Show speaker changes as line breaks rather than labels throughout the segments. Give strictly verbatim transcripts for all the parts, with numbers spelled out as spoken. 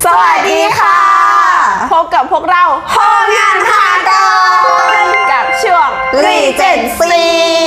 สวัสดีค่ะพบกับพวกเราห้องงานพาเดินกับช่วง Regency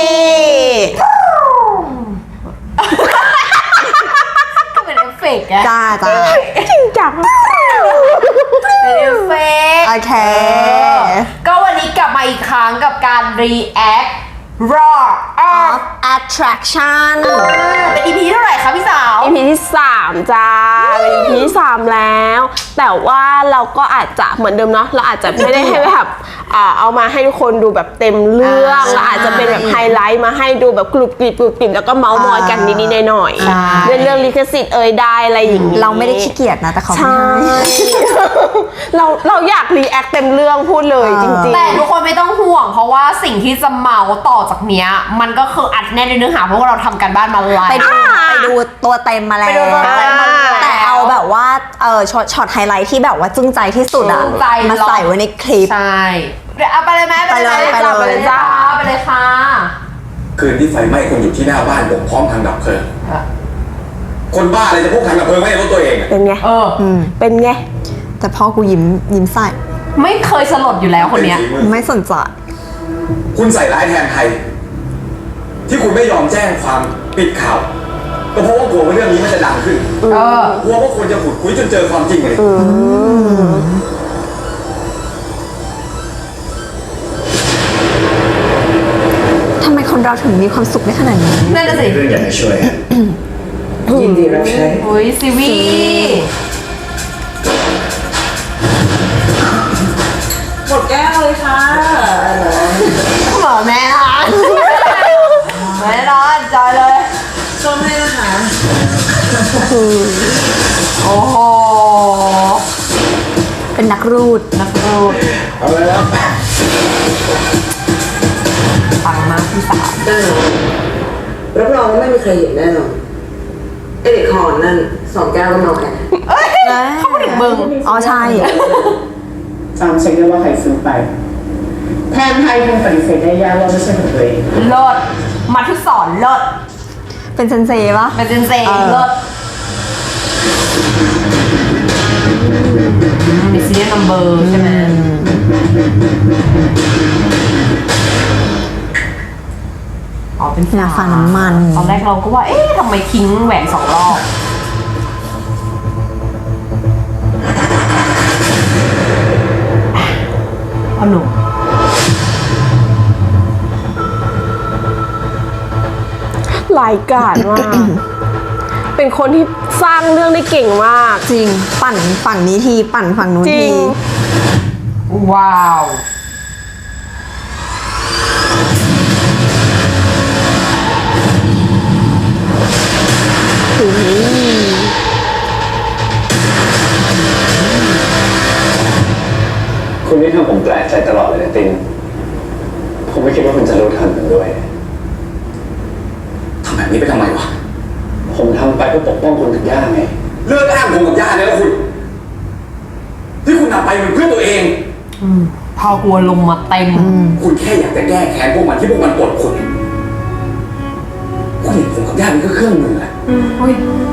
ก็เป็นเอฟเฟกต์ไง
จ้าจ้า
จริงจัง
เป็นเอฟเฟกต์
โอเค
ก็วันนี้กลับมาอีกครั้งกับการ react raw
of attraction
เป็น อี พี เท่าไหร่คะพี่สาว
อี พี ที่สามจ้าเป็น อี พี ที่สามแล้ว แต่ว่าเราก็อาจจะเหมือนเดิมเนาะเราอาจจะไม่ได้ให้แบบอ่าเอามาให้ทุกคนดูแบบเต็มเรื่องเราอาจจะเป็นแบบไฮไลท์มาให้ดูแบบกรุบกริบกรุบกริบแล้วก็เมาส์มอยกันนิดๆหน่อยๆเรื่องเรื่องลิขสิทธิ์เอ่ยได้อะไรอย่างนี้
เราไม่ได้ขี้เกียจนะแต่เขาไม่
ใช่
ให้
เราเราอยากรีแอคเต็มเรื่องพูดเลยจริงๆ
แต่ทุกคนไม่ต้องห่วงเพราะว่าสิ่งที่จะเมาต่อจากเนี้ยมันก็คืออัดแน่นในเนื้อหาเพราะว่าเราทำการบ้านมาไล
ไปดู
อ่า
ไปดูตัวเต็มมาแล้ว
ไปดูตัวเต็มมาแล้ว
แต่เอาแบบว่าเออช็อตช็อตไฮไลท์ที่แบบว่าจึ้งใจที่สุดอะ
จึ้งใจ
มาใส่ไว้ในคลิป
ใช่เดี๋ยวเอาไปเลยไหม
ไปเลย
ไปเลย
ไปเลย
จ้าไปเลยค่ะ
คืนที่ไฟไหม้คนอยู่ที่หน้าบ้านผมพร้อมทางดับเพลิง คนบ้าอะไรจะพกทางดับเพลิงไว้ในรถตัวเองอะ
เป็นไง
เออ
เป็นไง
แต่พ่อกูยิ้มยิ้มใส่
ไม่เคยสลดอยู่แล้วคนเนี้ย
ป็ฝีมือ
ไม่สนใจ
คุณใส่ร้ายแทนไทย ที่คุณไม่ยอมแจ้งความปิดข่าวก็เพราะว่ากลัวว่าเรื่องนี้มันจะดังขึ้น
เออ
กลัวว่าคนจะขุดคุยจนเจอความจริงเลย
ทำไมคนเราถึงมีความสุขได้ขนาดนี้
นั่นน่ะสิ
เรื่องอยากจะช่วยยินดีรับใช้
โอ้ยซีวีหมดแก้วเลยค่ะเหมือแม่นอนแม่นอนจอยเลยชมให้นะคะโอ้โห
เป็นนักรูด
นักรูด
เอาเลยครับ
ปังมากพี่สาว
ได้รับรองว่าไม่มีใครเห็นแน่นอนไอเด็กหอนนั่นสองแก้วก็เมาแค่
เขาไม่ถึงมึง
อ๋อใช่
จำเช็คได้ว่าใครซื้อไปแทนไทยคงปฏิเสธได้ยากว่าไม่ใช่ของตัวเอง
เลิศมาทุกสอนเลิศ
เป็นเซนเซปะ
เป็นเซนเซ
เออ
เลิศมีซีเรียลนัมเบอร์ใช่ไหมอ๋อเป็น
หน้าฟ้าน้ำมัน
ตอนแรกเราก็ว่า เอ๊ะทำไมทิ้งแหวนสองรอบพ่อหนุ่ม
หลายกาดมาก เป็นคนที่สร้างเรื่องได้เก่งมาก
จริงปั่นฝั่งนี้ทีปั่นฝั่งนู้น
จริ
ที
ง
ว้าว
คุณนี่ทำผมแปลกใจตลอดเลยนะตินผมไม่คิดว่าคุณจะรู้ทันผมด้วยทำแบบนี้ไปทำไมวะผมทำไปเพื่อปกป้องคุณกับย่าไงเลิกอ้างผมกับย่าได้แล้วคุณ ที่คุณทำไปมันเพื่อตัวเอง
พอกลัวลงมาเต็ม
คุณแค่อยากจะแก้แค้นพวกมันที่พวกมันกดคุณ คุณเห็นผมกับย่าเป็นแค่เครื่องมืออะ
อุ้ย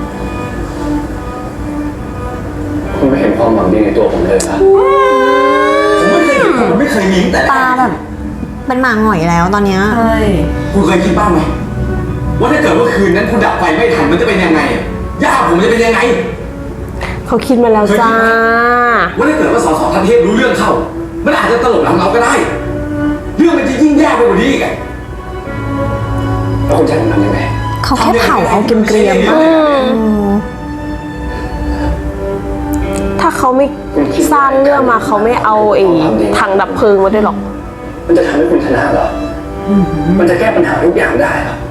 คุณไม่เห็นความหวังดีในตัวผมเลยนะผมไม่เคยเห็นผมไม่เคยมีตั้งแต่
ตาแบบเป็นหมาหงอยแล้วตอนเนี้ย
ใช่
คุณเคยคิดบ้างไหมว่าถ้าเกิดว่าคืนนั้นคุณดับไฟไม่ทันมันจะเป็นยังไงอะย่าผมจะเป็นยังไง
เขาคิดมาแล้วจ้า
ว่าถ้าเกิดว่าสสท่านเทพรู้เรื่องเข้า มันอาจจะตลบหลังเราก็ได้ เรื่องมันจะยิ่งแย่ไปกว่านี้อีกอะแล้วคุณจะทำยังไง
เขาแค่เผาเอาเกรียมๆ
ทำยังไง
ถ้าเขาไม่สร้างเรื่องมาเขาไม่เอาไอ้ถังดับเพลิงมาด้วยหรอก
มันจะทำให้คุณชนะเหรอมันจะแก้ปัญหาทุกอย่างได้เหรอ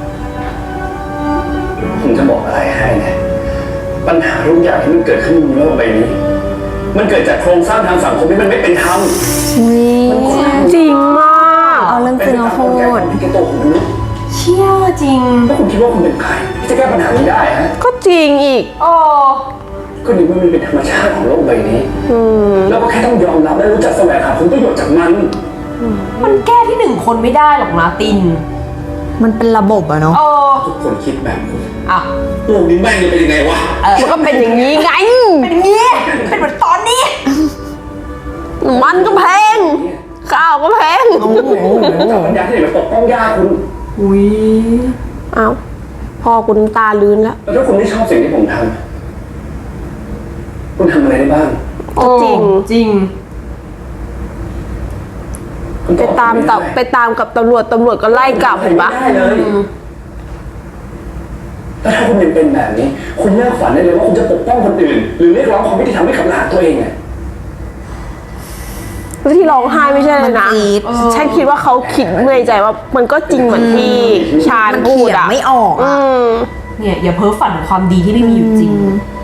ผมจะบอกอะไรให้นะปัญหาทุกอย่างที่มันเกิดขึ้นบนโลกใบนี้ มันเกิดจากโครงสร้างทางสังคมที่มันไม่เป็นธรรม
อุ๊ย
จริงมาก
เอาเรื่องจริงมาพูด
เป็นไปตามกลไกของตัวของมนุษย์
เชี่ยจริง
แล้วคุณคิดว่าคุณเป็นใครที่จะแก้ปัญหานี้ได้ฮะ
ก็จริงอีก
โอ้
ก็นี่มันเป็นธรรมชาติของโลกใบนี้
อืม
เราก็แค่ต้องยอมรับและรู้จักแสวงหาผลประโยชน์จากมัน
มันแก้ที่หนึ่งคนไม่ได้หรอกนะติน
มันเป็นระบบอะเนาะ
เออ
ทุกคนคิดแบบคุณ
อ่ะ
โลกนี้แม่งจะเป็นยังไงวะ
มันก็เป็นอย่างนี้ไง
เป็นอย่างนี้ เป็นเหมือนตอนนี้
มันก็แพงข้าวก็แพง
เจ้าปัญญาที่ไหนมาปกป้องย่าคุณ
อุ้ย
เอ้าพ่อคุณตาลื้นแล้ว
แล้วถ้าคุณไม่ชอบสิ่งที่ผมทำคุณทำอะไรได้บ้าง
ก็จริง
จริง
คุณ
ไปตามตับไปตามกับตำรวจตำรวจก็ไล่กลับเห็นปะ
ไม่ได้เลยแล้วถ้าคุณยังเป็นแบบนี้ คุณเลิกฝันได้เลยว่าคุณจะปกป้องคนอื่น หรือเรียกร้องความยุติธรรมให้กับหลานตัวเองไง
แล้วที่ร้องไห้ไม่ใช่เลยนะ
มันจี๊ด
ฉันคิดว่าเขาคิดในใจว่ามันก็จริงเหมือนที่ชาญ
มัน
พู
เถี
ด
ยง
อ่ะ
ไม่ออก
อื
อะ
ม
เนี่ยอย่าเพ้อฝันถึงความดีที่ไม่มีอยู่จริง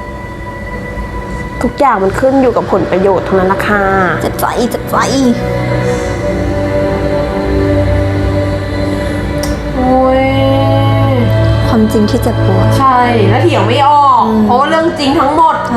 ทุกอย่างมันขึ้นอยู่กับผลประโยชน์ทั้งนั้นนะคะ
เจ็บใจเจ็บใจ
โอ้ย
ความจริงที่เจ็บปวด
ใช่ แล้วเถียงไม่ออก เพราะว่าเรื่องจริงทั้งหมด
ใช่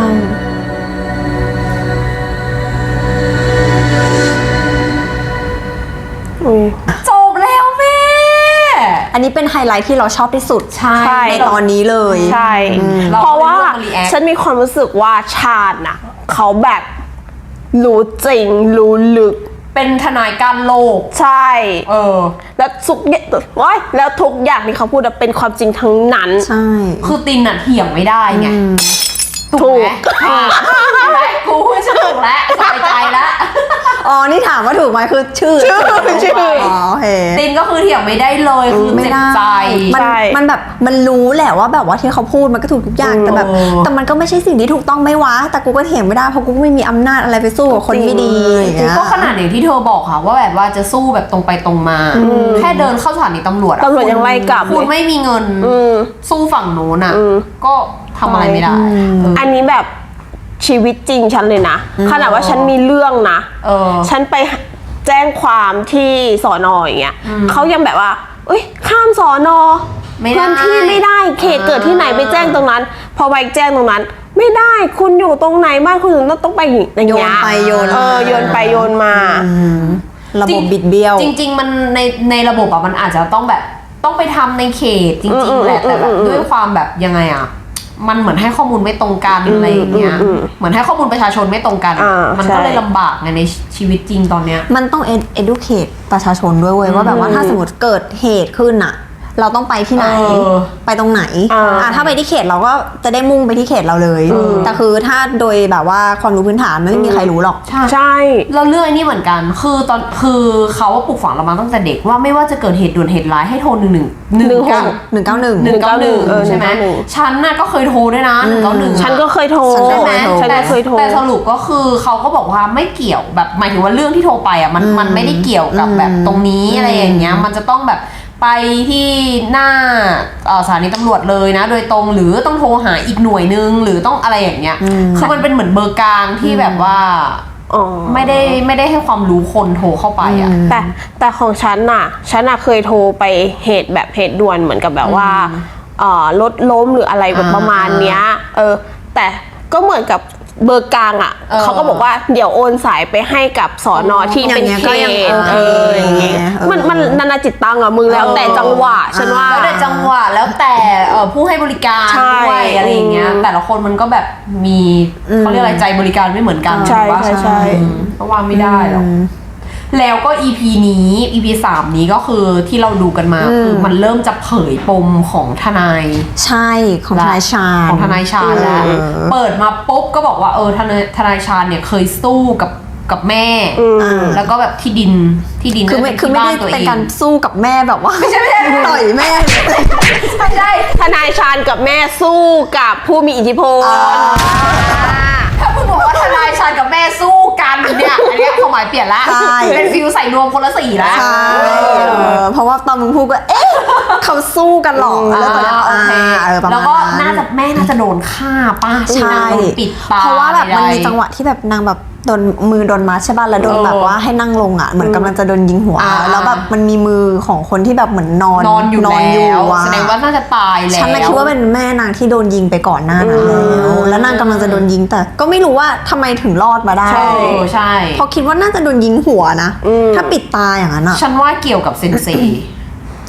อืม
จบแล้วแม่
อันนี้เป็นไฮไลท์ที่เราชอบที่สุด
ใช่
ในตอนนี้เลย
ใช่
เรา
เพราะว่า
ก็เลยเลือกมา react
ฉันมีความรู้สึกว่าชาญน่ะ เขาแบบรู้จริง รู้ลึก
เป็นทนายการโลก
ใช่
เออ
แล้วทุกอย่างว้ายแล้วทุกอย่างที่เขาพูดอะเป็นความจริงทั้งนั้น
ใช่
คือตินน่ะเถียงไม่ได้ไง
ถูก
อ่ะเห็นไหมกูพูดฉันถูกแล้วสบายใจแล้ว
อ๋อ นี่ถามว่าถูกไหมคือชื่อ
ชื่อชื่อ
อ๋อโอเค
ตินก็คือเถียงไม่ได้เลยคือ
ไม่
เจ็บ
ได้
ใจ
มัน
ใช่
มันแบบมันรู้แหละว่าแบบว่าที่เขาพูดมันก็ถูกทุกอย่าง
เออ
แต่แบบแต่มันก็ไม่ใช่สิ่งที่ถูกต้องไม่วะแต่กูก็เถียงไม่ได้เพราะกูก็ไม่มีอำนาจอะไรไปสู้กับคนไม่ดีอย่างเงี้ย
ก็ขนาดอย่างที่เธอบอกค่ะ ว่าแบบว่าจะสู้แบบตรงไปตรงมา แค่เดินเข้าสถานีตำรวจอะ
ตำรวจยังไล่กลับ
คุณ
เลย
ไม่มีเงิน
อืม
สู้ฝั่งโน้นอ่ะ
อืม
ก็ทำอะไรไม่ได้เออ
อันนี้แบบชีวิตจริงฉันเลยนะ ขนาดว่าฉันมีเรื่องนะ
เออ
ฉันไปแจ้งความที่สอนออย่างเงี้ยเขายังแบบว่าเอ้ยข้ามสอนอ
ไม่ได้
พื้นที่ไม่ได้เขตเกิดที่ไหนไปแจ้งตรงนั้น พอไปแจ้งตรงนั้น ไม่ได้คุณอยู่ตรงไหนบ้านคุณถึงต้องไปอย่างเงี้ย
โยนไปโยนมา
เออโยนไปโยนมา
ระบบบิดเบี้ยว
จริง ๆ มันในในระบบอะมันอาจจะต้องแบบต้องไปทำในเขตจริงๆแหละแต่แบบด้วยความแบบยังไงอะมันเหมือนให้ข้อมูลไม่ตรงกันอะไรอย่างเงี้ยเหมือนให้ข้อมูลประชาชนไม่ตรงกัน
อ่า
มัน
ใช่
ก็เลยลำบากไงในชีวิตจริงตอนเนี้ย
มันต้อง educate ประชาชนด้วยเว้ยว่าแบบว่าถ้าสมมติเกิดเหตุขึ้นอะเราต้องไปที่ไหน
เออ
ไปตรงไหน
อ่า
อ่ะถ้าไปที่เขตเราก็จะได้มุ่งไปที่เขตเราเลย แต่คือถ้าโดยแบบว่าความรู้พื้นฐานไม่มีใครรู้หรอก
ใช่
เราเลือกไอ้นี่เหมือนกัน คือตอนคือเขาว่าปลูกฝังเรามาตั้งแต่เด็กว่าไม่ว่าจะเกิดเหตุด่วนเหตุร้ายให้โทรหนึ่งหนึ่งหนึ่งเก้า
หนึ่งเก้าหนึ่ง
หนึ่งเก้าหนึ่ง
เออ
ใช่ไหม
หนึ่งเก้าหนึ่ง
ฉันน่ะก็เคยโทรด้วยนะหนึ่งเก้าหนึ่ง
ฉันก็เคยโทร
ฉันก็
ใช่ไหม
ฉัน
แต่
ก็เคยโทร
แต่สรุปก็คือเขาก็บอกว่าไม่เกี่ยวแบบหมายถึงว่าเรื่องที่โทรไปอ่ะมันมันไม่ได้เกี่ยวกับแบบตรงนี้อะไรอย่างเงี้ยมันจะต้องแบบไปที่หน้าเอ่อสถานีตำรวจเลยนะ โดยตรงหรือต้องโทรหาอีกหน่วยนึงหรือต้องอะไรอย่างเงี้ยคือมันเป็นเหมือนเบอร์กลางที่แบบว่า
อ๋อ
ไม่ได้ไม่ได้ให้ความรู้คนโทรเข้าไปอ่ะ
แต่แต่ของฉันน่ะ ฉันน่ะเคยโทรไปเหตุแบบเหตุด่วนเหมือนกับแบบว่าเอ่อรถล้มหรืออะไรแบบประมาณเนี้ย เออ แต่ก็เหมือนกับเบอร์กลางอ่ะ
เออ
เขาก็บอกว่าเดี๋ยวโอนสายไปให้กับสอนอที่เป็น
อย่างเงี้ย
เข
ก็ยัง
ต
โอเค
เอออย่างเงี้ย
เออ
มันมันนานาจิตตังอะมึงแล้วแต่จังหวะฉันว่า
แล้วแต่จังหวะแล้วแต่เอ่อผู้ให้บริการ
ใช่
ด้วยอะไรอย่างเงี้ยแต่ละคนมันก็แบบมีเขาเรียกอะไรใจบริการไม่เหมือนกัน
ใช่
ถูกปะ
ใช่ใช่
อืมก็ว่าไม่ได้หรอกแล้วก็ อี พี นี้ อี พี สามนี้ก็คือที่เราดูกันมาคือมันเริ่มจะเผยปมของทนาย
ใช่ของทนายชาญ
ของทนายชาญแล้ว
เออ
เปิดมาปุ๊บก็บอกว่าเออทนายทนายชาญเนี่ยเคยสู้กับกับแม่ แล้วก็แบบที่ดินที่ดิน
คือไม่
น่าจะ
คือไม่ได้
ที่บ้านตัว
เป็น
เอง
การสู้กับแม่แบบว่าไม่ใช่ไม่ใช่ต่อยแม่
ไม่ใช่
ทนายชาญกับแม่สู้กับผู้มีอิทธิพล
ถ้าคุณบอกว่าทนายชาญกับแม่สู้กันเนี่ยอันเนี้ยความหมายเปลี่ยนละ
ใช่
เป็นฟิลใส่รวมคนละสีละ
ใช่เออเพราะว่าตอนมึงพูดก็เอ๊ะเขาสู้กันหรอ
อ่า
แล้วตอนนั้น
โอเค
อ่าเออประมาณ
แล้วก็น่าจะแม่น่าจะโดนฆ่าป้า
ใช่
โดนปิดตา
เพราะว่าแบบมันมี
ใดๆ
จังหวะที่แบบนางแบบโดนมือโดนมัดใช่ป่ะแล้วโดน
เออ
แบบว่าให้นั่งลงอ่ะเหมือนกำลังจะโดนยิงหัว
อ่า
แล้วแบบมันมีมือของคนที่แบบเหมือนนอน
นอนอยู่
นอนอยู่
แล้ว
อะ
แสดงว่าน่าจะตายแล้ว
ฉันน่ะคิดว่าเป็นแม่นางที่โดนยิงไปก่อนหน้านั้นแล้วแล้วนางกำลังจะโดนยิงแต่ก็ไม่รู้ว่าทำไมถึงรอดมาได้
ใช่ใช่
เพราะคิดว่าน่าจะโดนยิงหัวนะถ้าปิดตาอย่างนั้นอ่ะ
ฉันว่าเกี่ยวกับเซนเซ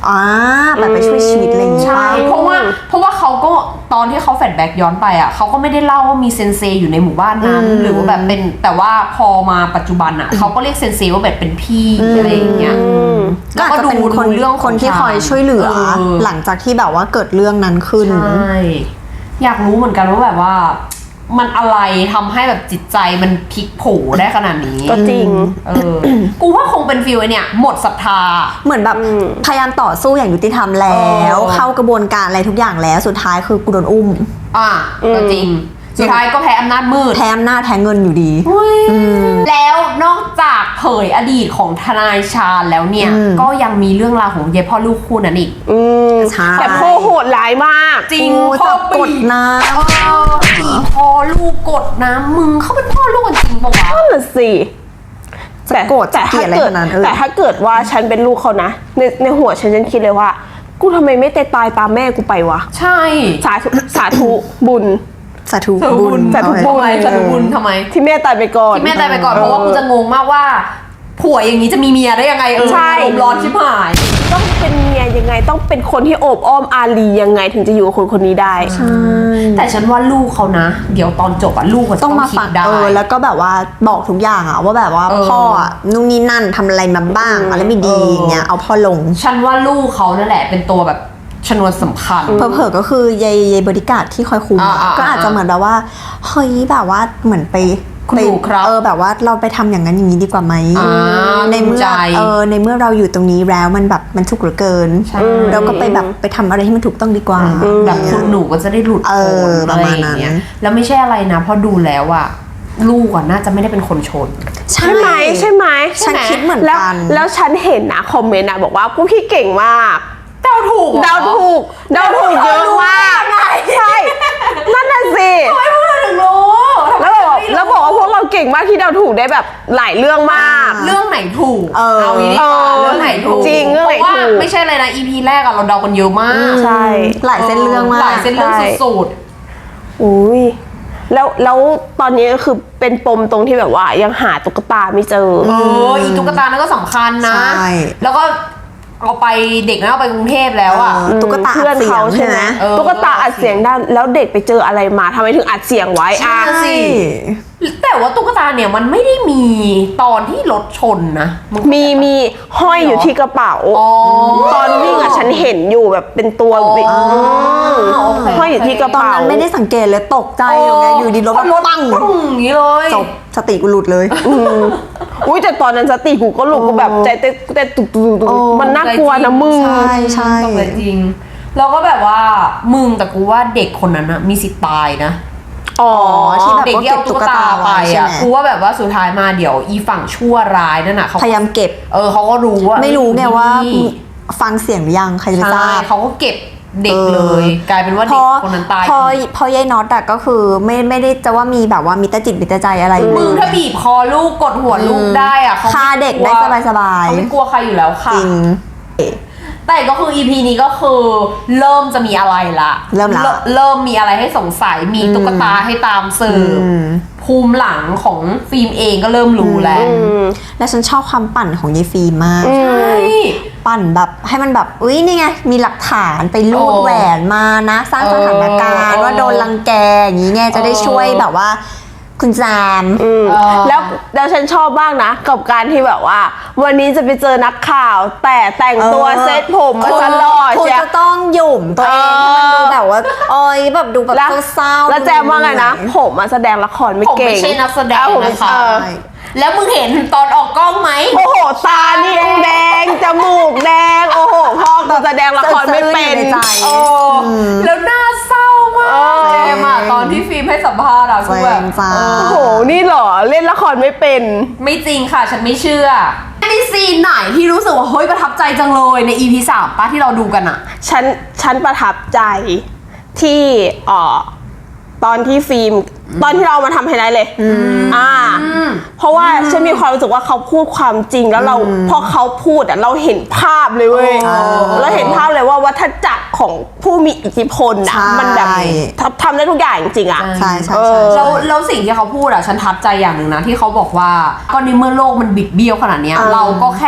อ่าแบบไปช่วยชีวิตอะไรอย่างงี้
ใช่
ปะ
เพราะว่าเพราะว่าเขาก็ตอนที่เขาแฟลชแบ็กย้อนไปอ่ะเขาก็ไม่ได้เล่าว่ามีเซนเซอยู่ในหมู่บ้านนั้น หรือว่าแบบเป็นแต่ว่าพอมาปัจจุบันอ่ะเขาก็เรียกเซนเซว่าแบบเป็นพี่อะไรอย่างเงี้ย
ก็อาจจะเป็นคน
เรื่องของ
คนที่คอยช่วยเหลือ
เออ
หลังจากที่แบบว่าเกิดเรื่องนั้นขึ้น
ใช่อยากรู้เหมือนกันว่าแบบว่า มันอะไรทำให้แบบจิตใจมันพลิกโผได้ขนาดนี้
ก็จริง
เออ กูว่าคงเป็นฟิลไอเนี่ยหมดศรัทธา
เหมือนแบบพยายามต่อสู้อย่างยุติธรรมแล้ว
เออ
เข้ากระบวนการอะไรทุกอย่างแล้วสุดท้ายคือกูโดนอุ้ม
อ่ะก็จริง สุดท้ายก็แพ้อำนาจมืด
แพ้อำนาจแพ้เงินอยู่ดี
แล้วนอกจากเผยอดีตของทนายชาญแล้วเนี่ย
อืม
ก็ยังมีเรื่องราวของเยพ่อลูกคู่นั้นอีก
อืม
ใช่
แต่พ่อโหดร้ายมาก
จริง
โอ้
พ่อ
จับกด
บีบ
น้
เออบีบพ่อลูกกดน้ำมึงเขาเป็นพ่อลูกกันจริงปะวะ
นั่นแหละสิแต่
โกรธ
แต่
จะเกลี
ถ้าย
ดอะไร
เกิด
ขนาดนั้นเออ
แต่ถ้าเกิดว่าฉันเป็นลูกเขานะในในหัวฉันฉันคิดเลยว่า กูทำไมไม่ตายตายตามแม่กูไปวะ
ใช่
สาธุสาธุบุญ
ำสาธุ
สาธุ
บุ
บุ
ญ
ญ
สาธุบุญ
ทำไมสาธุบุญทำไม
ที่แม่ตายไปก่อน
ที่แม่ตายไปก่อนเพราะว่ากูจะงงมากว่าผัวอย่างนี้จะมีเมียได้ยังไงเออ
ใช่
อารมณ์ร้อนชิบหาย
ต้องเป็นเมียยังไงต้องเป็นคนที่โอบอ้อมอารียังไงถึงจะอยู่กับคนคนนี้ได้
แต่ฉันว่าลูกเขานะ เดี๋ยวตอนจบอะลูกเขาจะ
ต้
ต้
อ
อง ง
มา
คิ
ฟั
ด
ง
ได้
เออแล้วก็แบบว่าบอกทุกอย่างอะว่าแบบว่า
เออ
พ่ออะนู่นนี่นั่นทำอะไรมาบ้างอะไรไม่ดี
เออ
อย่างเงี้ยเอาพ่อลง
ฉันว่าลูกเขานั่นแหละเป็นตัวแบบชนวนสำคัญ
เผลอๆก็คือยายยายบริการดที่คอยคุมอะ
อ่าๆๆ
ก็อาจจะเหมือนแบบว่าเฮ้ยแบบว่าเหมือนไป
คุณ
ไป
หนูครับ
เออแบบว่าเราไปทำอย่างนั้นอย่างนี้ดีกว่าไหม
อ่า
ในเมื่
ภูมิใจ
อเออในเมื่อเราอยู่ตรงนี้แล้วมันแบบมันถูกเหลือเกิน
ใช่
เราก็ไปแบบไปทำอะไรที่มันถูกต้องดีกว่า
แบบคุณหนูก็จะได้หลุด
เออ
พ้น
ประมาณนั้น
อไอย่งเงี้ยแล้วไม่ใช่อะไรนะเพราะดูแล้วอะลูกอะน่าจะไม่ได้เป็นคนชน
ใช่
ใช่ไหมใช่ไหม
ฉันคิดเหมือน
แล้ว
กัน
แล้วฉันเห็นนะคอมเมนต์นะบอกว่าพวกพี่เก่งมาก
เดาถูกเหรอ
เดาถูกเดาถูกเยอะมาก
รู้ได้ยังไง
ใช่นั่นน่ะสิ
ทำไมพวกเราถึงรู้
แล้วบอกแล้วบอกว่าพวกเราเก่งมากที่เดาถูกได้แบบหลายเรื่องมาก
เรื่องไหนถูก
เออ
เอางี้ดีกว่า
เออ
เรื่องไหนถูก
จริงเรื่องไหน
พาะว่า
ถูก
ไม่ใช่เลยนะ อี พี แรกอะเราเดากันเยอะมาก
ใช่
หลายเส้นเรื่องมาก
หลายเส้นเรื่อง
ใช่
สุด
อุ้ยแล้วแล้วตอนนี้ก็คือเป็นปมตรงที่แบบว่ายังหาตุ๊กตาไม่เจอ
ๆเอออีตุ๊กตานั่นก็สำคัญนะ
ใช่
แล้วก็เอาไปเด็กนั้นเอาไปกรุงเทพแล้วอะ
เออตุ๊กตา
เพื่อนเขา
อัดเสียง
ใช่ไหม
ใช่ไหม
เออ
ตุ๊กตาอัดเสียงได้แล้วเด็กไปเจออะไรมาทำไมถึงอัดเสียงไว้อ่ะ
ใช่ แต่ว่าตุ๊กตาเนี่ยมันไม่ได้มีตอนที่รถชนนะนก็
มีมีห้อยอยู่ที่กระเป๋า
อ๋อ
ตอนวิ่งอ่ะฉันเห็นอยู่แบบเป็นตัว
อ๋อ
วิ่ง
โอเค
ห้อยอยู่ที่กระ
ตอน
เป๋า
นั้นไม่ได้สังเกตเลยตกใจอยู่ไงอยู่ดีรถ
รถ
แบบปัง
ปังอย่างนี้เลย
จบสติกูหลุดเลย
อุ้ยแต่ตอนนั้นสติกูก็หลุดกูแบบใจเต้นเต้นตุกตุกตุก
โอ้
มันน่ากลัวนะมึง
ใช่ใช่
ตกใจจริง แล้วก็แบบว่ามึงแต่กูว่าเด็กคนนั้นนะมีสิทธิ์ตายนะ
อ๋อ
ที่แบบ
เด็กที่เอาตุ๊กตาไป
ใช่
อ่ะ
ไหม
กูว่าแบบว่าสุดท้ายมาเดี๋ยวอีฝั่งชั่วร้ายนั่นน่ะเขา
พยายามเก็บ
เออเขาก็รู้ว่า
ไม่รู้ไงว่า
นี่
ฟังเสียงหรือยังใครจะไปท
ใช่
ราบ
เขาก็เก็บเด็กเลย กลายเป็นว่า
พ
เด็
อก
คนนั้นตาย
พอพอยายน็อตอะก็คือไม่ไม่ได้จะว่ามีแบบว่ามีตาจิตมีตาใจอะไรเล
มึง
ย
ถ้าบีบคอลูกกดหัวลูกได้อ่ะเขาม่
ฆ่าเด็กได้
ลัว
สบายๆ
เขาไม่กลัวใครอยู่แล้วค่ะ
จริง
แต่ก็คือ อี พี นี้ก็คือเริ่มจะมีอะไรละ
เริ่มละ
เริ่มมีอะไรให้สงสัยมีตุ๊กตาให้ตามสืบ
อืม
ภูมิหลังของฟิล์มเองก็เริ่มรู้แล้ว
และฉันชอบความปั่นของยายฟิล์มมาก
ใช่
ปั่นแบบให้มันแบบอุ้ยนี่ไงมีหลักฐานไปรูด
โอ้
แหวนมานะ สร้างสถานการณ์
เออ
ว่าโดนรังแกอย่างนี้ไงจะได้
เออ
ช่วยแบบว่าคุณแซม
อืม
เออ
แล้วแล้วฉันชอบบ้างนะ กับการที่แบบว่า วันนี้จะไปเจอนักข่าว แต่แต่งตัว
เออ
เซ็ตผมมาตลอด
คุณ
เชีย
จะต้องหยุ่มตัวเองให้มันดูแบบว่าโอ้ยแบบดูแบบ
แล้ว
เศร้าๆ
แล้วแจมว่าไงนะ
ดู
ผมมาแสดงละครไม่
ผม
เก่ง
ไม่ใช่นักแสดง
อ้าวผม
นะคะ
เออ
แล้วมึงเห็นตอนออกกล้องไหม
โอ้โห ตานี่แดง จมูกแดง โอ้โห พ่อกูแสดงละครไม่เป็น
สะอื้นอยู่ในใจ
โอ้แล้วหน้าเศร้ามาก
เออ
เจมอะตอนที่ฟิล์มให้สัมภาษณ์อะคือแบบ
เจมส์จ้า
เออ
โอ้โห นี่เหรอ เล่นละครไม่เป็น
ไม่จริงค่ะ ฉันไม่เชื่อมีซีนไหนที่รู้สึกว่าเฮ้ยประทับใจจังเลยใน อี พี สามป้าที่เราดูกันอะ
ฉัน ฉันประทับใจที่เอ่อตอนที่ฟิล์ม ตอนที่เราเอามาทำไฮไลท์เลย อ่า เพราะว่าฉันมีความรู้สึกว่าเขาพูดความจริงแล้วเราพอเขาพูดอ่ะเราเห็นภาพเลยเว้ย
อ๋อ
เราเห็นภาพเลยว่าวัฏจักรของผู้มีอิทธิพลอ่ะ
ใช่
มันแบบทำทำได้ทุกอย่างจริงๆอ่ะ
ใช่ใช่
เอ
ใช่
อ
แล้วแล้วสิ่งที่เขาพูดอะฉันทับใจอย่างหนึ่งนะที่เขาบอกว่าก็ในเมื่อโลกมันบิดเบี้ยวขนาดเนี้ย
เออ
เราก็แค่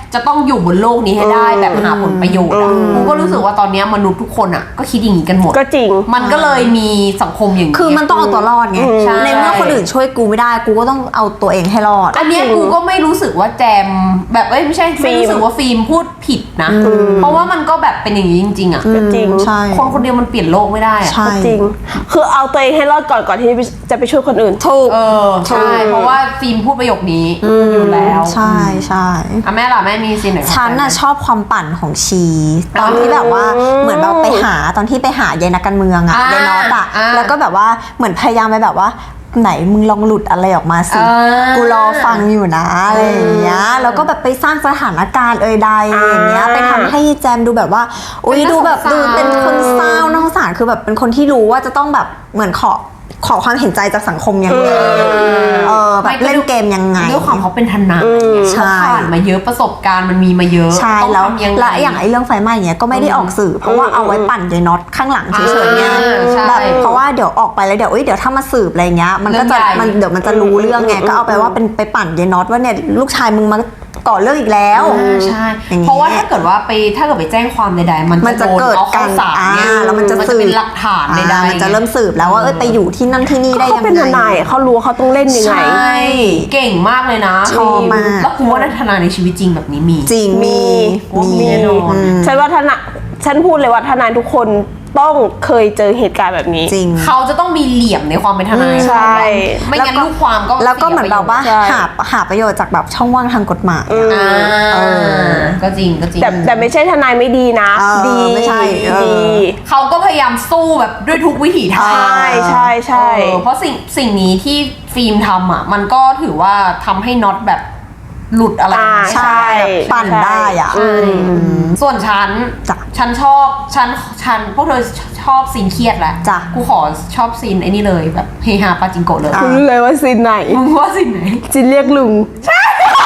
จะต้องอยู่บนโลกนี้ให้ได้แบบหาผลประโยชน์อะกูก็รู้สึกว่าตอนเนี้ยมนุษย์ทุกคนอ่ะก็คิดอย่างนี้กันหมด
ก็จริง
มันก็เลยมีสังคมอย่างนี้
คือมันต้องเอาตัวรอดไง
ใช่
ในเมื่อคนอื่นช่วยกูไม่ได้กูก็ต้องเอาตัวเองให้รอด
อันเนี้ยกูก็ไม่รู้สึกว่าแจมแบบเอ้ยไม่ใช่ไม่รู้สึกว่าฟิล์มพูดผิดนะ เพราะว่ามันก็แบบเป็นอย่างนี้จริงๆอ่ะ
ก็จริง
ใช่
คนคนเดียวมันเปลี่ยนโลกไม่ได้อะ
ใช่
ก็จริง คือเอาตัวเองให้รอดก่อนก่อนที่จะไปช่วยคนอื่น
ถูก
เออใช่เพราะว่าฟิล์มพูดประโยคนี้อยู่แล้ว
ใช่ใช่
อ่ะแม่ล่ะแม่มีซีนไหน
ฉันน่ะชอบความปั่นของชี ตอนที่แบบว่าเหมือนแบบไปหาตอนที่ไปหายายนักการเมืองอะยายน็อตอะแล้วก็แบบว่าเหมือนพยายามไปแบบว่าไหนมึงลองหลุดอะไรออกมาสิกูรอฟังอยู่นะอะไรอย่างเงี้ยแล้วก็แบบไปสร้างสถานการณ์เอ่ยใดอย่างเงี้ยไปทำให้แจมดูแบบว่าอุ้ยดูแบบดูเป็นคนเศร้าน่าสงสารคือแบบเป็นคนที่รู้ว่าจะต้องแบบเหมือนขอขอความเห็นใจจากสังคมยังไงเออแบบเล่นเกมยังไง
ด้วยความเขาเป็นทนาย
ใช่
เขาผ่านมาเยอะประสบการณ์มันมีมาเยอะ
ใช่
ต้อง
แล้ว
ทำยังไง
และอย่างไอ้เรื่องไฟไหม้เนี้ยก็ไม่ได้ออกสื่อ เพราะว่าเอาไว้ปั่นยายน็อตข้างหลังเฉยๆเนี่ย
อ่าใช่
แบบเพราะว่าเดี๋ยวออกไปแล้วเดี๋ยวเอ้ยเดี๋ยวถ้ามาสืบอะไรเงี้ยมันก็จะ
เรื่องใหญ่
มันเดี๋ยวมันจะรู้เรื่องไงก็เอาไปว่าเป็นไปปั่นยายน็อตว่าเนี่ยลูกชายมึงมาก่อเรื่องอีกแล้ว
อ่าใช่
อย่างเงี้ย
เพราะว่าถ้าเกิดว่าไปถ้าเกิดไปแจ้งความใดๆมัน
มัน
จะ
จะ
โดน
เกิด
เอา
กา
เข้าร ศาล
อ่า
เนี่ย
แล้วมันจะ
มัน
สื
จะ
บ
เป็นหลักฐานใด
อ่า
ๆ
มันจะเริ่มสืบแล้วว่าเอ้ยไปอยู่ที่นั่นที่นี่ได้
เขา
ยัง
เป็นท
ไง
นายเขารู้ว่าเขาต้องเล่นยังไง
ใช่เก่งมากเลยนะ
ชอบมาก
แล้วกูว่าทนายในชีวิตจริงแบบนี้มี
จริงมี
มี
มี
แน่นอน
อืม
ฉันว่าทนายฉันพูดเลยว่าทนายทุกคนต้องเคยเจอเหตุการณ์แบบนี้
จริง
เขาจะต้องมีเหลี่ยมในความเป็นทนาย
ใช่
ไม่งั้นลูกความก็
แล้วก็เหมือนแบบว่า
ใช่
หาหาประโยชน์จากแบบช่องว่างทางกฎหมายอะ
อ่า
เออ
ก็จริงก็จริง
แต่แต่ไม่ใช่ทนายไม่ดีนะ
เออ
ดี
ไม่ใช่เออ
ดี
เขาก็พยายามสู้แบบด้วยทุกวิถีทาง
ใช่ใช่ใช่
เออเพราะสิ่งสิ่งนี้ที่ฟิล์มทำอ่ะ มันก็ถือว่าทำให้น็อตแบบหลุดอะไร
อ่า
ไม่ได้
ใช่
ปั่นได้อ่ะ
ใช่ส่วนฉัน
จ้ะ
ฉันชอบฉันฉันพวกเธอชอบซีนเครียดแหละ
จ้ะ
กูขอชอบซีนไอ้นี่เลยแบบเฮฮาปาจิงโกะเลย
คุณรู้เลยว่าซีนไหน
มึงว่าซีนไหน
ซีนเรียกลุงใช่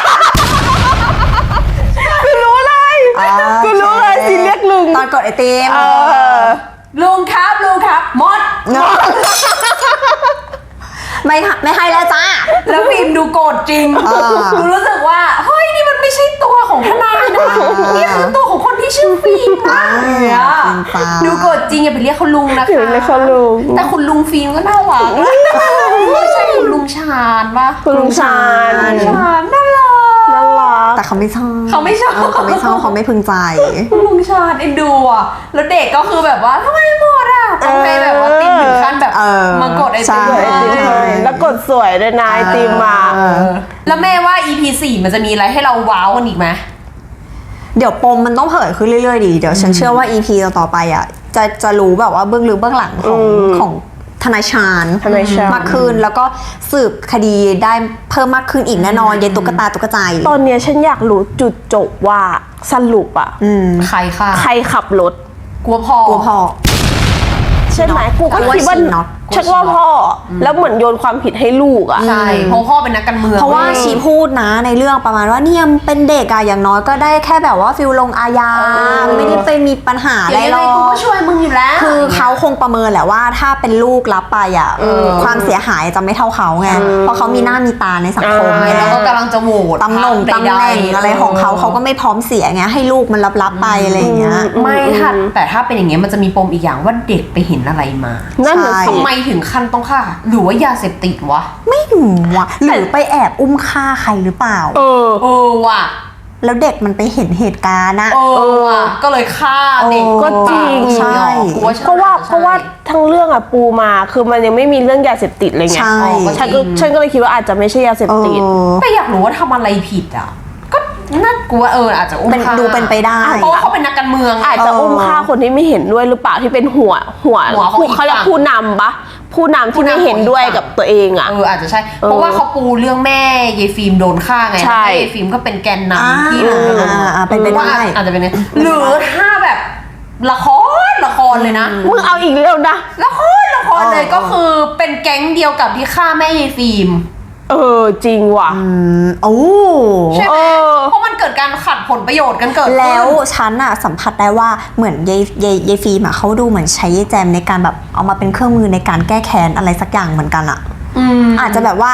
กูรู้เลย
อ่า
กูรู้เลยซีนเรียกลุง
ตอนกดไอติม
เออ
ลุงครับลุงครับหมด
ไม่ค่ะไม่ให้แล้วจ้า
แล้วฟิล์มดูโกรธจริง
อ่า
กูรู้สึกว่าเฮ้ยนี่มันไม่ใช่ตัวของทนายนะนี่คือตัวของคนที่ชื่อฟิล์มนะเนี่ย
ฟิล์มฟ้า
ดูโกรธจริงอย่าไปเรียกเขาลุงนะคะ
อย่าไปเรียกเขาลุง
แต่คุณลุงฟิล์มก็น่ารักไม่ใช่คุณลุงชาญปะ
คุณลุงชาญ
ชาญน่ารัก
น่ารัก
แต่เขาไม่ชอบ
เขาไม่ชอบ
เเขาไม่ชอบเขาไม่พึงใจ
คุณลุงชาญเอ็นดูอ่ะแล้วเด็กก็คือแบบว่าทำไมหมดอ่ะต้องให้แบบว่าติมถึงขั้นแบบ
เออ
มากดไอ
ใช่
ติม
ไอติมให้แล้วกดสวยด้วยนะไอติมมา
เออ
แล้วแม่ว่า อี พี สี่มันจะมีอะไรให้เราว้าวกันอีกไหม
เดี๋ยวปมมันต้องเผยขึ้นเรื่อยๆดี เดี๋ยวฉันเชื่อว่า อี พี ต่อๆไปอ่ะจะจะรู้แบบว่าเบื้องลึกเบื้องหลังของ
อืม
ของทนายชาญ
ทนายชาญ
มากขึ้นแล้วก็สืบคดีได้เพิ่มมากขึ้นอีกแน่นอนยายตุ๊กตาตุ๊กใจ
ตอนเนี้ยฉันอยากรู้จุดจบว่าสรุปอะ
อืม
ใครค่ะ
ใครขับรถ
กลัวพอ
กลัวพอ
ใช่ไหมกูก็คิดว่า
กูว่าชีน็อต
ฉันว่าพ่ออแล้วเหมือนโยนความผิดให้ลูกอะ
ใช่เพราะพ่อเป็นนักการเมือง
เพราะว่า
ว้ย
ชีพูดนะในเรื่องประมาณว่าเนี่ยมันเป็นเด็กอะอย่างน้อยก็ได้แค่แบบว่าฟิลลงอาญา
เออ
ไม่ได้ไปมีปัญหาอะไร
เดี๋ยว
หร
ยัง
อ
ไงกู
ก
ก็ช่วยมึงอยู่แล้ว
คือเขาคงประเมินแหละว่าถ้าเป็นลูกรับไปอ่ะความเสียหายจะไม่เท่าเขาไงเพราะเขามีหน้ามีตาในสังคมไง
แล้วก็กำลังจะโหวต
ตำแหน่ง
พรรค
ตำแหน่ง
ใดๆ
อะไรของเขาเขาก็ไม่พร้อมเสียไงให้ลูกมันรับรับๆไปอะไรอย่างเงี้ย
ไม่ค่ะแต่ถ้าเป็นอย่างเงี้ยมันจะมีปมอีกอย่างว่าเด็กไปเห็นอะไรมา
นั่นน่ะ
ใช่
สิ
ทำไมถึงขั้นต้องฆ่าหรือว่ายาเสพติดวะ
ไม่รู้ว่ะหรือไปแอบอุ้มฆ่าใครหรือเปล่า
เออ
เออว่ะ
แล้วเด็กมันไปเห็นเหตุการณ์อะ
เออว่ะก็เลยฆ่าเด็ก
ก็จริง
ใช่
กูว่า
เพราะว่าเพราะว่าทั้งเรื่องอะปูมาคือมันยังไม่มีเรื่องยาเสพติดเลยไง
ใช่
ฉันก็ฉันก็เลยคิดว่าอาจจะไม่ใช่ยาเสพ
เอ
ติด
อ
แต่อยากรู้ว่าทำอะไรผิดอ่ะก็น่ากลัวเอออาจจะอุ้ม
เป็น
ฆ่า
ดูเป็นไปได้
เพราะว่าเขาเป็นนักการเมือง
อาจจะอุ้มฆ่าคนที่ไม่เห็นด้วยหรือเปล่าที่เป็นหัวหัว
หัวของอีก
เขาเรียก
ฝั่ง
ผู้นำปะผู้นำที่ไม่เห็นด้วยกับตัวเองอะ
เอออาจจะใช่ เพราะว่าเขาปูเรื่องแม่ยายฟิล์มโดนฆ่าไง
ใช่
แม่ยายฟิล์มก็เป็นแกน
อ่าน
ำที่หนึ่ง
อ่าอ่าเป็นไปได้
ว่าอาจจะเป็นอย่างนั้นหรือถ้าแบบละครละครเลยนะ
มึงเอาอีกแล้วนะ
ละครละครเลย
เออ
ก็คือเป็นแก๊งเดียวกับที่ฆ่าแม่ยายฟิล์ม
เออจริงว่ะ
อืมโอ้
ใช่ไหม
เออ
เพราะมันเกิดการขัดผลประโยชน์กันเกิดขึ้น
แล้วฉันอะสัมผัสได้ว่าเหมือนยายยายยายฟิล์มอะเขาดูเหมือนใช้ยายแจมในการแบบเอามาเป็นเครื่องมือในการแก้แค้นอะไรสักอย่างเหมือนกันอะ
อืม
อาจจะแบบว่า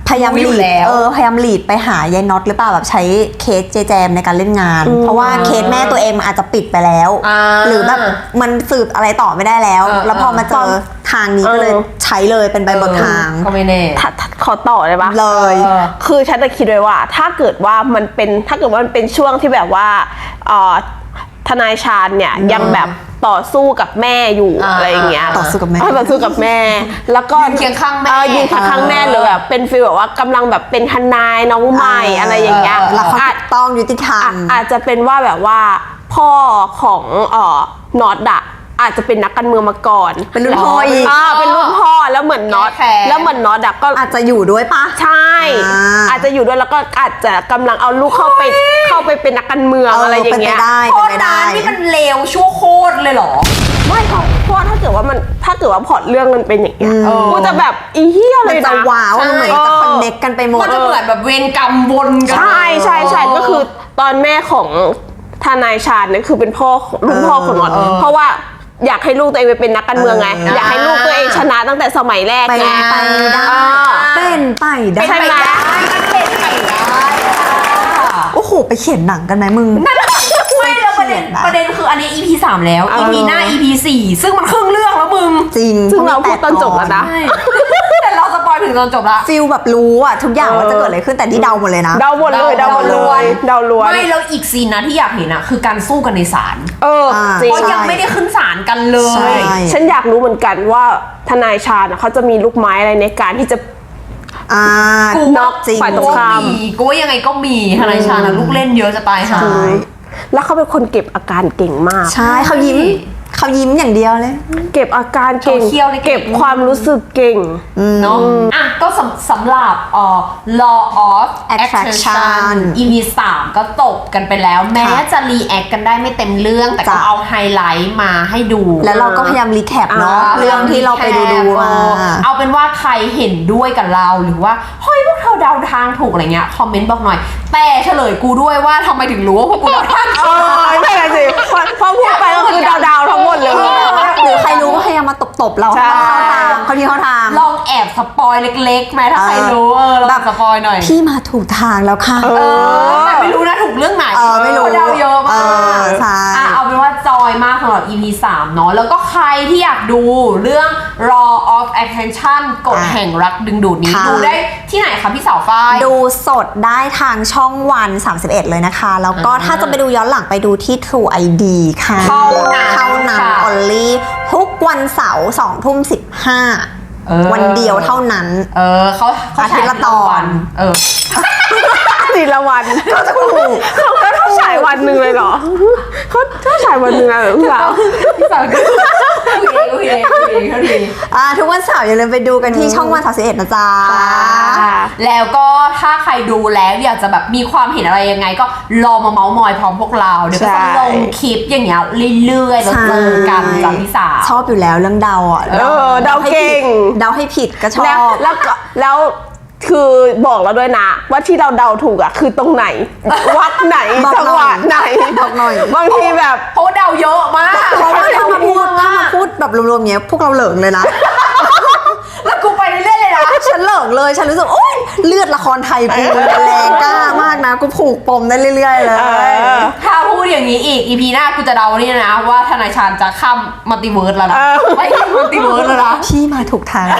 พยายาม
รู้
ห
อยู่
ลีด
แล้ว
เออพยายามหลีดไปหายายน็อตหรือเปล่าแบบใช้เคสเจแจมในการเล่นงาน เพราะว่าเคสแม่ตัวเองมันอาจจะปิดไปแล้ว
อ่า
หรือแบบมันสืบอะไรต่อไม่ได้แล้ว
เออ
แล้วพอมาเจอทางนี้ก็เลย
เออ
ใช้เลยเป็นใบเบิกทาง
ก็ไม่แน่
ถ้าถ้าขอต่อเลยปะ
เลย
เออ
คือฉันจะคิดไว้ว่า ถ้าเกิดว่ามันเป็นถ้าเกิดว่ามันเป็นช่วงที่แบบว่าเอ่อทนายชาญเนี่ยยังแบบต่อสู้กับแม่อยู่
อ่า
อะไรอย่างเงี้ย
ต่อสู้กับแม่
เต่อสู้กับแม่ แล้วก็
ยืนเคียงข้างแม่
เออยืนเคียงข้างแม่เลยแบบเป็นฟีลแบบว่ากำลังแบบเป็นทนายน้องใหม่อะไรอย่างเงี้ย
แล้วเขา
อา
ถู
จ
กต้องยุติธรร
อ่ะ
ม
อาจจะเป็นว่าแบบว่าพ่อของเอ่อนอตอะอาจจะเป็นนักการเมืองมาก่อน
เป็นรุ่นพ่ออีก
อ่าเป็นรุ่นพ่อแล้วเหมือนน็อต
แก้แค้น
แล้วเหมือนน็อตอะก็
อาจจะอยู่ด้วยปะ
ใช่
อ่า
อาจจะอยู่ด้วยแล้วก็อาจจะกำลังเอาลูกเข้าไปเข้าไปเป็นนักการเมือง
เออ
อะไรอย่างเงี้ย
เป็นไปได้
โคตรนานนี่มันเลวชั่วโคตรเลยเหรอ
ไม่เพราะเพราะว่าถ้าเกิดว่ามันถ้าเกิดว่าพล็อตเรื่องมันเป็นอย่างเงี้ย
อืม
กูจะแบบอีเหี้ยเล
มัน
ย
จะ
นะ
ว้าวมันเหมือนจะ
เออ
คอนเน็กกันไปหมด
มันจะเหมือนแบบเวรกรรมวนกัน
ใช่ใช่ใช่ก็คือตอนแม่ของทนายชาญเนี่ยคือเป็นพ่อรุ่นพ่อของน็อตเพราะว่าอยากให้ลูกตัวเองไปเป็นนักการเมืองไง
เออ
อยากให้ลูกตัวเองชนะตั้งแต่สมัยแรก
ไป
ไง
ไปได้
อ่า
เป็นไปได้
ใช่ไหม
มันเป็นไปได้ค่ะ
โอ้โหไปเขียนหนังกันไหมมึง
ไม่แล้วประเด็น
เขียนนะ
ประเด็นคืออันนี้ อี พี สามแล้ว
เออ
อี พี หน้า อี พี สี่ซึ่งมันครึ่งเรื่องแล้วมึง
จริง
ซึ่งเราพูดตอนจบแล้วนะ
ใช่แต่เราสปอยถึงตอนจบละ
ฟิลแบบรู้อะทุกอย่างว่าจะเกิดอะไรขึ้นแต่ที่เดาหมดเลยนะ
เดาหมดเลยเดาหมดเลยเดาล้วน
ไม่แล้วอีกซีนนะที่อยากเห็นอะคือการสู้กันในศาล
เออ
อ่า
จริง
เพราะยังไม่ได้ขึ้นศาลกันเล
ใช่
ย
ฉันอยากรู้เหมือนกันว่าทนายชาญน่ะเขาจะมีลูกไม้อะไรในการที่จะ
อ่า
กู
น็อก
จริง
ฝ่ายตรงข้าม
มีกูว่ายังไงก็มีทนายชาญนะลูกเล่นเยอะจะตายหา
ใช่
แล้วเขาเป็นคนเก็บอาการเก่งมาก
ใช่เขายิ้มเขายิ้มอย่างเดียวเลย
เก็บอาการเก่ง
โซเชียลนี่เก่ง
เก็บความรู้สึกเก่ง
เนาะอ่ะก็สำสำหรับเอ่อ law of
Attraction
attraction อี พี สามก็จบกันไปแล้ว แม้จะรีแอคกันได้ไม่เต็มเรื่อง แต่ก็
จ้ะ
เอาไฮไลท์มาให้ดู
แล้วเราก็พยายามรีแคปเนาะ
า
เรื่องที่เราไปดูดูมา
เอาเป็นว่าใครเห็นด้วยกับเราหรือว่าเฮ้ยพวกเธอเดาทางถูกอะไรเงี้ยคอมเมนต์บอกหน่อย แต่เฉลยกูด้วยว่าทำไมถึงรู้ว่าพวกกูเดาทาง
เออใช่ไงสิพอพอพูดไปก็คือดาวๆทั้งหมดเลย
หรือใครรู้ก็พยายามมาตบๆเรา
ใช่
ให้มันเข้าทางเขาที่เข้าทาง
ลองแอบสปอยเล็กๆไหมถ้าใครรู้เออลองแบบสปอยหน่อย
พี่มาถูกทางแล้วค่ะ
เออแต่ไม่รู้นะถูกเรื่องไหน
เออไม่รู้
เพาะเดาเยอะมาก
เออใช่
อ่ะเอาเป็นว่าจอยมากสำหรับ อี พี สาม เนาะแล้วก็ใครที่อยากดูเรื่อง law of attraction กฎ
อ่ะ
แห่งรักดึงดูดนี้
ค่ะ
ดูได้ที่ไหนคะพี่สาวฝ้าย
ดูสดได้ทางช่องวันสามสิบเอ็ดเลยนะคะ แล้วก็
อ่า
ถ้าจะไปดูย้อนหลังไปดูที่ True ไอ ดี ค่ะ
เท่านั้น
เท่านั้น
ค่ะ
only ทุกวันเสาร์สองทุ่มสิบห้า
เออ
วันเดียวเท่านั้น
เออเขาเขา
อาทิตย์ละตอน
เออ
ทีละวันก็ถูกเขาก็ต้องฉายวันหนึ่งเลยเหรอเขาต้องฉายวันหนึ่งเลยเหรอพี่สาว
พี่สาวก็โอเคโอเคโอเคเท่าดี
อ่าทุกวันเสาร์อย่าลืมไปดูกันที่ช่องวันสามสิบเอ็ดนะจ๊ะ
แล้วก็ถ้าใครดูแล้วอยากจะแบบมีความเห็นอะไรยังไง ก็รอมาเมาส์มอยพร้อมพวกเราเดี๋ยวก็จะลงคลิปอย่างเงี้ยเรื่อยๆแล้วเจอกันจากพี่สาว
ชอบอยู่แล้วเรื่องเดาอ่ะ
เออเดาเก่ง
เดาให้ผิดก็ชอ
แล้ว
บ
แล้วก็แล้วคือบอกเราด้วยนะ ว่าที่เราเดาถูกอะคือตรงไหน วัดไหน
บอกหน่อย
จังหวะไหน
บอกหน่อย
บางทีแบบ
เพราะว่าเดาเยอะมาก
เพราะว่าถ้ามาพูดถ้ามาพูดแบบรวมๆเงี้ยพวกเราเหลิงเลยนะ
แล้วกูไปเรื่อยๆเลยนะ
ฉันเหลิงเลยฉันรู้สึกโอ๊ยเลือดละครไทยกูมันแรงกล้ามากนะกูผูกปมได้เรื่อยๆเลย
เออ
ถ้าพูดอย่างนี้อีก อี พี หน้ากูจะเดานี่นะว่าทนายชาญจะข้ามมัลติเวิร์สแล้วนะ
เออ
ไม่ใช่มัลติเวิร์สแล้วนะ
พี่มาถูกทางแล้ว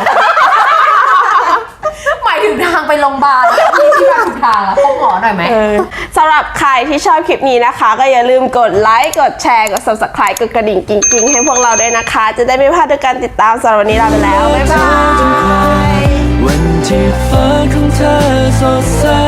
หมายถึงทางไปโรงพยาบาลที่ที่มาถูกทางอะพบหมอหน่อยไหม
เออสำหรับใครที่ชอบคลิปนี้นะคะ ก็อย่าลืมกดไลค์ กดแชร์ กด subscribe กดกระดิ่งกิ๊งๆ ให้พวกเราด้วยนะคะ จะได้ไม่พลาดในการติดตามสำหรับวันนี้ลาไปแล้ว บ๊ายบาย
วันที่ฟ้าของเธอสดใส